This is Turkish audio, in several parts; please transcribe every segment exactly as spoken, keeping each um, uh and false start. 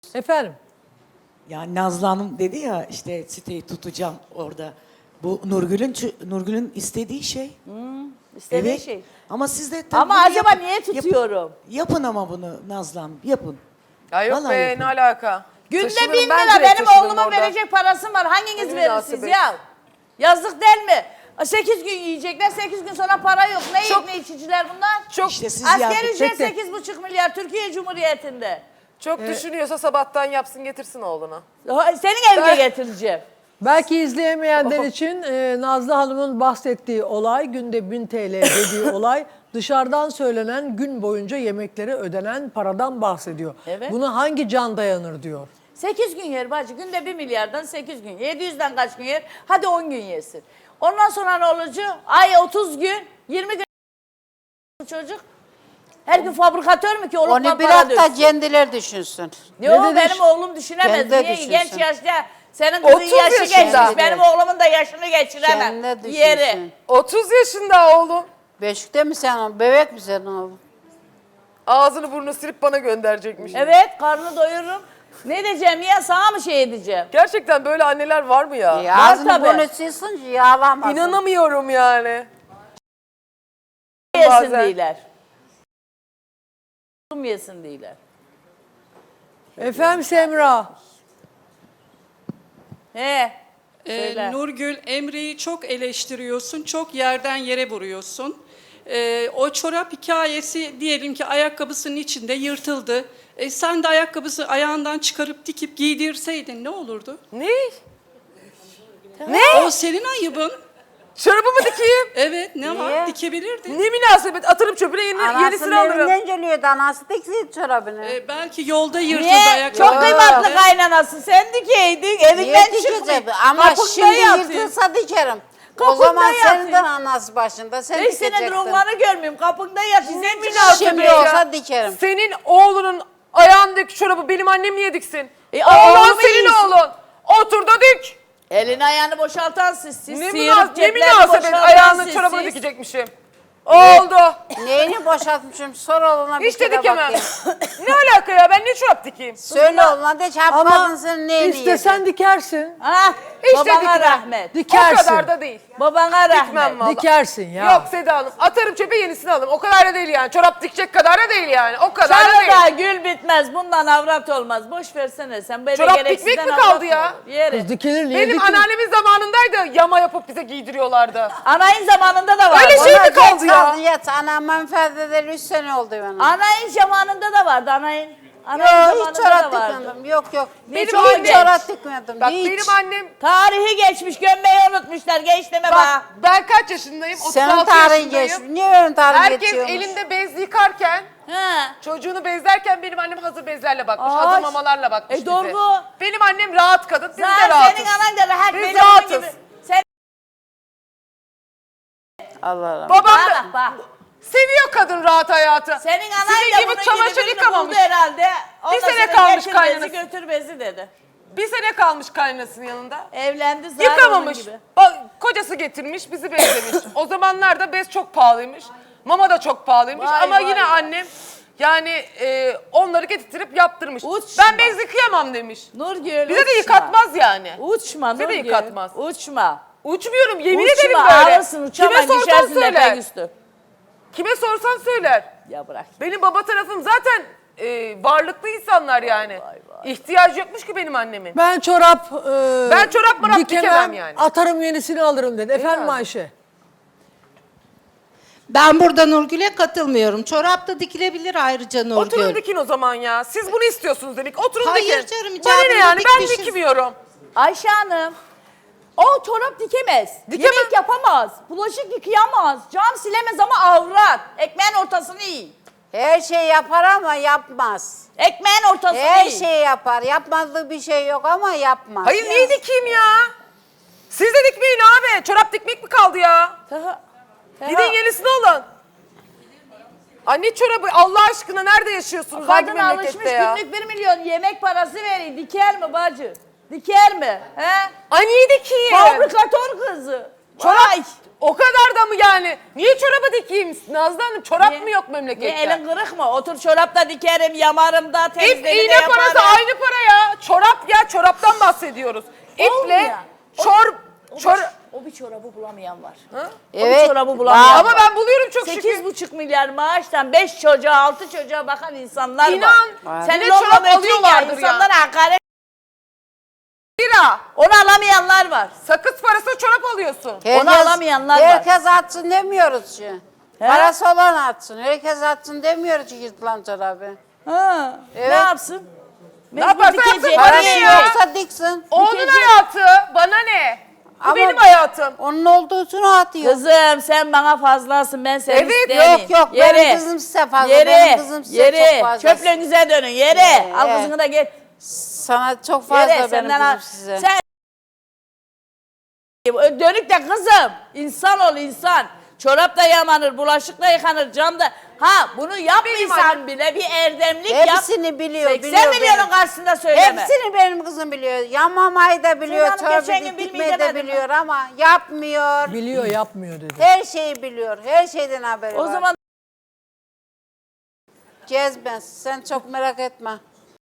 Efendim? Yani Nazlı Hanım dedi ya işte siteyi tutacağım orada. Bu Nurgül'ün Nurgül'ün istediği şey. İstediği Evet. şey. Ama siz de tabii Ama bunu acaba yapın. niye Yapın. tutuyorum? Yapın ama bunu Nazlı Hanım yapın. Ya yok Vallahi be yapın. ne alaka? Günde Taşınırım, bin ben lira direkt benim taşınırım oğluma orada. verecek parasım var. Hanginiz Ne verirsiniz münasebet. ya? Yazık değil mi? Sekiz gün yiyecekler, sekiz gün sonra para yok. Ne yiyip Çok- ne içiciler bunlar? Çok İşte siz Asgari yardım- ücret Tek tek. sekiz buçuk milyar Türkiye Cumhuriyeti'nde. çok düşünüyorsa sabahtan yapsın getirsin oğluna. Ha, Senin evine Ben- getireceğim. Belki izleyemeyenler için e, Nazlı Hanım'ın bahsettiği olay, günde bin T L dediği olay, dışarıdan söylenen gün boyunca yemeklere ödenen paradan bahsediyor. Evet. Buna hangi can dayanır diyor. Sekiz gün yer bacı. Günde bir milyardan sekiz gün. Yedi yüzden kaç gün yer? Hadi on gün yesin. Ondan sonra ne olacak? Ay otuz gün, yirmi gün çocuk. Her gün fabrikatör mü ki olup Onu para bırak da döksün? kendileri düşünsün. Yok Ne dedi? benim oğlum düşünemez. Kendi Niye? düşünsün. Genç yaşta senin kızın otuz yaşı yaşında. geçmiş. Benim oğlumun da yaşını geçiremem. Kendi düşünsün. Yeri. otuz yaşında oğlum. Beşikte mi sen o? Bebek mi sen o? Ağzını burnunu silip bana gönderecekmiş. Evet karnını doyururum. Ne diyeceğim ya sana mı şey edeceğim? Gerçekten böyle anneler var mı ya? Ya ağzını tabii. bunu silsin ki yağlamasın. İnanamıyorum yani. Yesin Bazen. değiller. Yesin değiller. Efendim Semra? He. Ee, Söyle. Nurgül, Emre'yi çok eleştiriyorsun, çok yerden yere vuruyorsun. Ee, o çorap hikayesi diyelim ki ayakkabısının içinde yırtıldı. E, sen de ayakkabısı ayağından çıkarıp dikip giydirseydin ne olurdu? Ne? O senin ayıbın. Çorabımı dikeyim. Evet, ne var? Niye? Dikebilirdin. Ne münasebet atarım çöpüne yeni, Anasının yenisini alırım. evinden geliyordu. Anası dikseydi çorabını. Ee, belki yolda yırtıldı Niye? ayakkabı. Çok kıymetli kaynanası. Sen dikeydin. Niye Evinden dikecek? çıkmıyor. Ama Kapında şimdi yatıyor. yırtılsa dikerim. O Kapında zaman yatıyor. senin de anası başında. Sen Beş senedir dikecektin. onları görmüyorum. Kapında yatıyor. Ne münasebet Şimdi ya. olsa dikerim. Senin oğlunun ayağındaki çorabı benim annem niye diksin? E, Oğlan oğlumu senin iyisin. oğlun. Otur da dik. Elini ayağını boşaltan siz. Siz Ne, sıyırıp münas ne ceplerini münasebet boşaltan ayağını siz, çorabını siz. dikecekmişim. Oldu. Neyini boşaltmışım? Sor oğluna bir Hiç de kere dikemem. bakayım. Ne alaka ya ben ne çorap dikeyim? Söyle oğluna de çarpmadın Ama senin neyini istesen yedin? dikersin. Ha, Hiç de babana dikmem. rahmet. Dikersin. O kadar da değil. Babana Dikmem rahmet. vallahi. Dikersin ya. Yok Seda Hanım atarım çöpe yenisini alırım. O kadar da değil yani. Çorap dikecek kadar da değil yani. O kadar da değil. Çarıda gül bitmez. Bundan avrat olmaz. Boş versene sen. Böyle Çorap gereksizden dikmek mi avrat kaldı mı ya? olur? Yeri. Kız dikilir niye Benim dikilir? anneannemin zamanındaydı yama yapıp bize giydiriyorlardı. Anayın zamanında da var. Öyle şey Ona mi kaldı geç ya? kaldı yat. Anam menfaadeleri üç sene oldu bana. Anayın zamanında da vardı. Anayın. Anayın Yok hiç zamanında çorap da vardı. dikmedim. Yok yok. Benim hiç annem- çorap dikmedim. Bak hiç. benim annem Tarihi geçmiş. Gömmeyi unutmuşlar. Geç deme bak bana. ben kaç yaşındayım? Senin otuz altı tarihin yaşındayım. geçmiş. Niye benim tarihim Herkes geçiyormuş? elinde bez yıkarken Ha. çocuğunu bezlerken benim annem hazır bezlerle bakmış. Ay. Hazır mamalarla bakmış E, bize. doğru. Benim annem rahat kadın. Biz de Zaten rahatız. senin anan da rahat. Biz benim rahatız. gibi. Sen Allah Allah. Babam bana da bak bak. seviyor kadın rahat hayatı. Senin anan Sizin da gibi bunun çamaşır gibi birini yıkamamış. buldu herhalde. Ondan Bir sene sonra kalmış getir kaynanası. bezi götür bezi dedi. Bir sene kalmış kaynanasının yanında. Evlendi zaten onun Yıkamamış. gibi. Bak, kocası getirmiş, bizi bezlemiş. O zamanlarda bez çok pahalıymış. Mama da çok pahalıymış. Vay, Ama vay, yine vay. annem yani e, onları getirtip yaptırmış. Uçma. Ben bez yıkayamam demiş. Nurgül Bize de uçma. yıkatmaz yani. Uçma Bize de Nurgül. yıkatmaz. Uçma. Uçmuyorum, yemin Uçma, ederim böyle. ağlasın, uçamam, Kime sorsan düşersin söyler. lepek üstü. Kime sorsan söyler. Ya bırak. Benim baba tarafım zaten e, varlıklı insanlar yani. İhtiyacı yokmuş ki benim annemin. Ben çorap e, Ben çorap marap dikemem yani. Atarım yenisini alırım dedi. Efendim Herhalde. Ayşe? Ben burada Nurgül'e katılmıyorum. Çorap da dikilebilir ayrıca Nurgül. Oturun dikin o zaman ya. Siz bunu istiyorsunuz demek. Oturun Hayır dikin. canım, Bana ne icabını yani ben dikmişiz. dikmiyorum. Ayşe Hanım. O çorap dikemez. Dikemem. Yemek yapamaz. Bulaşık yıkayamaz. Cam silemez ama avrat. Ekmeğin ortasını yiyin. Her şey yapar ama yapmaz. Ekmeğin ortasını Her yiyin. şey yapar. Yapmadığı bir şey yok ama yapmaz. Hayır niye dikeyim ya? Siz de dikmeyin abi. Çorap dikmek mi kaldı ya? Taha. Taha. Gidin yenisini alın. Anne çorabı Allah aşkına nerede yaşıyorsunuz hangi Kadın alışmış memlekette ya? günlük bir milyon yemek parası veriyor. Diker mi bacı? Diker mi? He? Ay niye dikeyim? Fabrikatör kızı. Çorap, Vay. O kadar da mı yani? Niye çoraba dikeyim Nazlı Hanım? Çorap Niye- mı yok Niye memlekette? elin kırık mı? Otur çorapta dikerim, yamarım da, İp, temizliğini de iğne yaparım. parası aynı para ya. Çorap ya, çoraptan bahsediyoruz. Olmuyor. İple, çor, O, çor... bir, o bir çorabı bulamayan var. O Evet, bir çorabı bulamayan Ama var. ben buluyorum çok şükür. Sekiz buçuk milyar maaştan beş çocuğa, altı çocuğa bakan insanlar İnan, var. bir Senin de çorap onunla ya, alıyorlardır ya. insanlara hakaret. Lira. Onu alamayanlar var. Sakız parası çorap alıyorsun. Onu alamayanlar var. Herkes atsın demiyoruz ki. Parası olan atsın. Herkes atsın demiyoruz ki yırtılan çorabı. Ha. Evet. Ne yapsın? Ne yaparsa yapsın, dikecek. bana Parası ne ya? yoksa diksin. Onun Dikecek. hayatı, bana ne? Bu Ama benim hayatım. Onun olduğu için o atıyor. Kızım sen bana fazlasın, ben seni Evet, istemeyeyim. yok, yok, benim kızım size fazla, Yere, benim kızım size yere. çok fazla. Çöplüğünüze dönün, yere. Yere, Al evet. kızını da git. Sana çok fazla Yere, benim senden kızım al. size. Sen dönük de kızım. İnsan ol insan. Çorap da yamanır, bulaşık da yıkanır, cam da. Ha bunu yapmaysan bile bir erdemlik yap. Hepsini biliyor, seksen biliyor milyonun benim. karşısında söyleme. Hepsini benim kızım biliyor. Yanmamayı da biliyor, Hanım çorabı geçen gün dikmeyi bilmeyi de demedim biliyor ama yapmıyor. Biliyor yapmıyor dedi. Her şeyi biliyor, her şeyden haberi O var. zaman Cezbez, sen çok merak etme.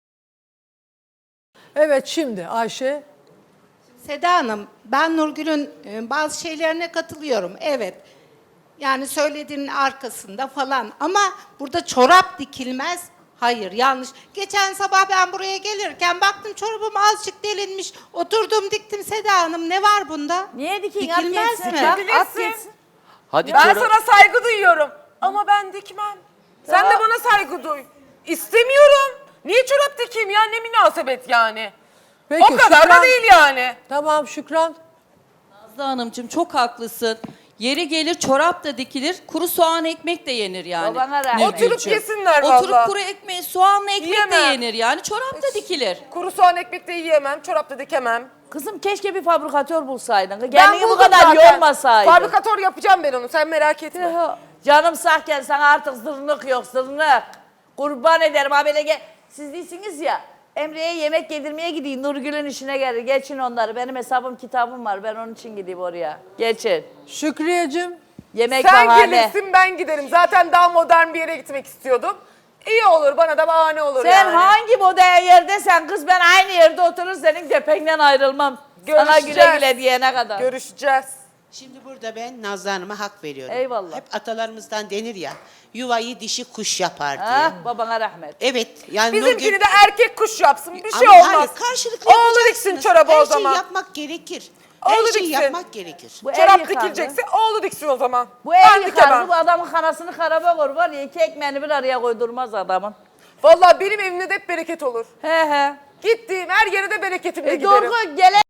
Evet şimdi Ayşe. Seda Hanım, ben Nurgül'ün e, bazı şeylerine katılıyorum. Evet. Yani söylediğinin arkasında falan. Ama burada çorap dikilmez. Hayır, yanlış. Geçen sabah ben buraya gelirken baktım çorabım azıcık delinmiş. Oturdum diktim Seda Hanım. Ne var bunda? niye dikeyim? At Dikilmez gitsin. mi? Bak, at Dikilirsin. gitsin. Hadi Ben çorap- sana saygı duyuyorum. Ama ben dikmem. Sen de bana saygı duy. İstemiyorum. Niye çorap dikeyim ya? Ne münasebet yani. Peki, o kadar Şükran. da değil yani. Tamam Şükran. Nazlı Hanımcığım çok haklısın. Yeri gelir çorap da dikilir, kuru soğan ekmek de yenir yani. Babana rahmet. Nurgülcüğüm. Oturup yesinler Oturup vallahi. kuru ekmeği, soğanla ekmek de Yiyemem. yenir yani. Çorap da dikilir. Kuru soğan ekmek de yiyemem. Çorap da dikemem. Kızım keşke bir fabrikatör bulsaydın. Ben Kendini bu buldum kadar zaten. yormasaydın. Fabrikatör yapacağım ben onu. Sen merak etme. Canım sahken sana artık zırnık yok zırnık. Kurban ederim habere gel. Siz değilsiniz ya. Emre'ye yemek yedirmeye gideyim. Nurgül'ün işine gelir. Geçin onları. Benim hesabım kitabım var. Ben onun için gideyim oraya. Geçin. Şükriyeciğim. Yemek Sen bahane. gelirsin ben giderim. Zaten daha modern bir yere gitmek istiyordum. İyi olur bana da bahane olur Sen yani. hangi model yerdesen kız ben aynı yerde oturur senin köpeğinden ayrılmam. Sana güle Görüşeceğiz. güle diyene kadar. Görüşeceğiz. Şimdi burada ben Nazlı Hanım'a hak veriyorum. Eyvallah. Hep atalarımızdan denir ya, yuvayı dişi kuş yapar diye. Ah, babana rahmet. Evet, yani Bizimkini Nurgül- de erkek kuş yapsın. Bir şey Ama olmaz. hayır, karşılıklı Oğlu yapacaksınız. diksin çorabı Her o zaman. şeyi yapmak gerekir. Her Oğlu şeyi diksin. yapmak gerekir. Bu ev Çorap yıkandı. dikilecekse oğlu diksin o zaman. Bu ev ben yıkandı. dikemem. Bu adamın kanasını karaba koy var ya iki ekmeğini bir araya koydurmaz adamın. Vallahi benim evimde de hep bereket olur. He he. Gittiğim her yere de bereketimle E giderim. doğru gelen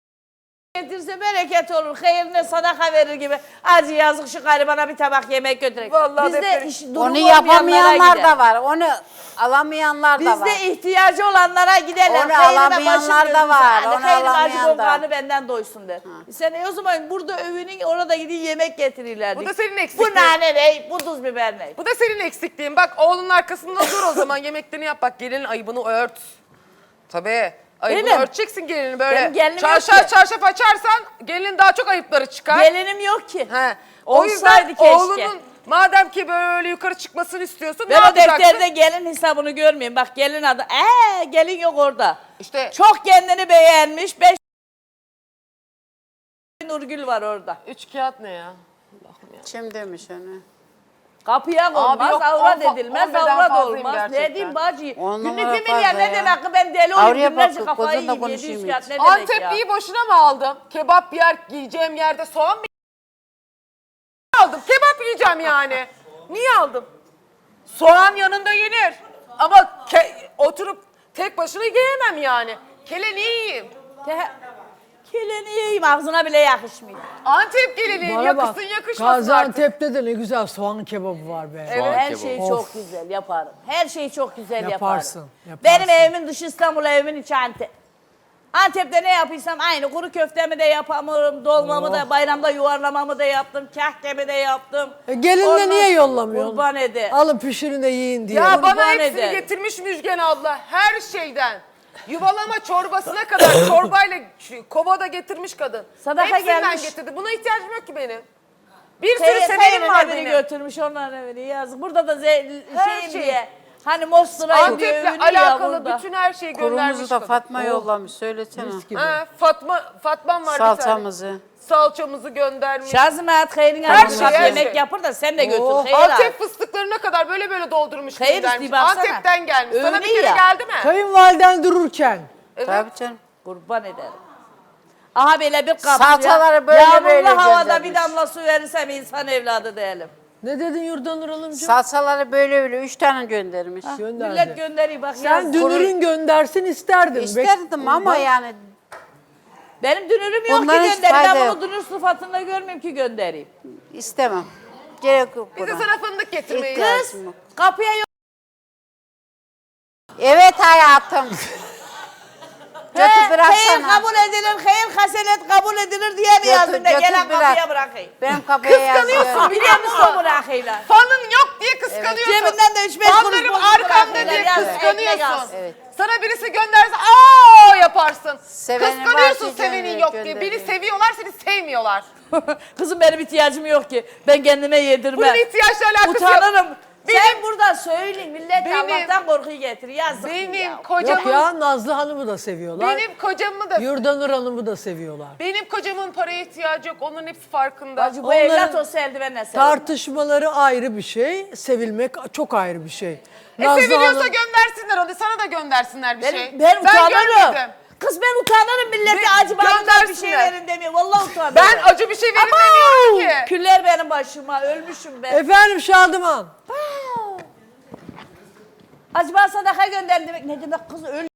getirse bereket olur. Hayırına sadaka verir gibi. Acı yazık şu garibana bir tabak yemek götürek. Vallahi Bizde deprem. iş, durumu Onu olmayanlara yapamayanlar gider. da var, onu alamayanlar da var. Bizde ihtiyacı olanlara giderler. Onu Hayrına alamayanlar başım da dönsün. var, Hadi onu hayrına acı alamayan da. konkarını benden doysun der. Sen e o zaman burada övünün orada gidin yemek getirirler. Bu da senin eksikliğin. Bu nane ne? Bu tuz biber ne? Bu da senin eksikliğin. Bak oğlunun arkasında dur o zaman yemeklerini yap. Bak gelinin ayıbını ört. Tabii. Ayıbını Benim. örteceksin gelini böyle. Benim gelinim yok Çarşaf ki. çarşaf açarsan gelinin daha çok ayıpları çıkar. Gelinim yok ki. He. O Olsaydı yüzden keşke. oğlunun madem ki böyle yukarı çıkmasını istiyorsun Ben ne o yapacaksın? defterde gelin hesabını görmeyeyim. Bak gelin adı. Ee gelin yok orada. İşte Çok kendini beğenmiş. Beş Nurgül var orada. üç kağıt ne ya? Kim demiş onu? Kapıya konmaz, yok, avrat on fa- edilmez, on beden avrat fazlayım olmaz. gerçekten. Ne diyeyim bacı? On Günlük numara bir milyar fazla ne ya. demek ki ben deli olayım Avruya günlerce bak, kafayı kocanla yiyeyim. yedi yüz konuşayım kağıt ne demek ya? Antepli'yi boşuna mı aldım? Kebap yer yiyeceğim yerde soğan mı aldım? Kebap yiyeceğim yani. Niye aldım? Soğan yanında yenir. Ama ke- oturup tek başına yiyemem yani. Kele niye yiyeyim? Ke- Keleni yiyeyim ağzına bile yakışmıyor. Antep gelini Bana bak. yakışsın yakışmasın artık. Gaziantep'te de ne güzel soğan kebabı var be. Evet. Her kebabı. şeyi Of. çok güzel yaparım. Her şeyi çok güzel Yaparsın, yaparım. yaparsın. Benim evimin dışı İstanbul, evimin içi Antep. Antep'te ne yapıysam aynı. Kuru köftemi de yaparım, dolmamı da, bayramda yuvarlamamı da yaptım, kahkemi de yaptım. E, gelinle Ondan niye sonra yollamıyorsun? Kurban ede. Alın pişirin de yiyin diye. Ya bana Kurban hepsini ederim. getirmiş Müjgan abla. Her şeyden. Yuvalama çorbasına kadar çorbayla şu kovada getirmiş kadın. Sadaka Hepsinden gelmiş. getirdi. Buna ihtiyacım yok ki benim. Bir sürü Sey- sevenim Seyir'in var evini benim. götürmüş onların evini yazık. Burada da ze- Her şeyim şey. diye. Hani Mostura'yım diye Antep'le övünüyor ya alakalı burada. bütün her şeyi göndermiş. Kurumuzu da kadın. Fatma yollamış. Söylesene. Mis gibi. Ha, Fatma, Fatmam var bir tane. Salçamızı. Salçamızı göndermiş. Şazimet Hayır'ın Her her şey, her yemek şey. yapar da sen de götür. Oh. Hayır abi. Antep fıstıklarına kadar böyle böyle doldurmuş Hayır, göndermiş. işte baksana. Antep'ten gelmiş. Sana bir Övünüyor kere ya. geldi mi? Kayınvaliden dururken Evet. Tabii canım. Kurban ederim. Aha böyle bir kapı. Salçaları böyle Yağmurlu böyle havada göndermiş. bir damla su verirsem insan evladı değilim. ne dedin Yurdanur Hanımcığım? Salçaları böyle böyle üç tane göndermiş. Gönderdi. Millet gönderiyor bak. Sen yaz. dünürün göndersin isterdin. İsterdim ama yani Benim dünürüm yok Bundan ki hiç göndereyim. fayda Ben yok. bunu dünür sıfatında görmeyeyim ki göndereyim. istemem. Gerek yok Biz de buna. sana fındık getirmeyiz. İhtiyacım yok. Kapıya yok. Evet hayatım. Götü Hayır bıraksana. kabul edilir, hayır hasenet kabul edilir diye mi Götür, yazdın da götür gelen bırak. kapıya bırakayım. Benim kapıya yazıyorum. Kıskanıyorsun Biliyor musun bırakayım? Fanın yok diye kıskanıyorsun. Cebinden de üç beş kuruş Fanlarım bozuk arkamda bırakıyorlar. diye Yaz, ekmek kıskanıyorsun. az. Evet. Sana birisi gönderse aa yaparsın. Sevenim Kıskanıyorsun var ki sevenin gönder- yok diye. Beni gönderiyor. seviyorlar seni sevmiyorlar. Kızım benim ihtiyacım yok ki. Ben kendime yedirmem. Bunun ihtiyaçla alakası yok. Utanırım. Benim- Sen burada söyleyin millet Benim- Allah'tan korkuyu getir. Yazık Benim ya. Yok kocamın ya Nazlı Hanım'ı da seviyorlar. benim kocamı da Yurdanur Hanım'ı da seviyorlar. benim kocamın paraya ihtiyacı yok. Onların hepsi farkında. Bacı bu Onların evlat olsa eldivenle sever. Tartışmaları ayrı bir şey, sevilmek çok ayrı bir şey. E Nazlı seviliyorsa Hanım- göndersinler onu. Sana da göndersinler bir Ben, şey. ben utanırım. görmedim. Kız ben utanırım millete Ben- acı bana bir şey göndersinler. verin demiyor. Vallahi utanırım. Ben acı bir şey verin demiyorum ki. Küller benim başıma. Ölmüşüm ben. Efendim Şadıman. Acaba sadaka gönderdim demek. Ne demek kız öl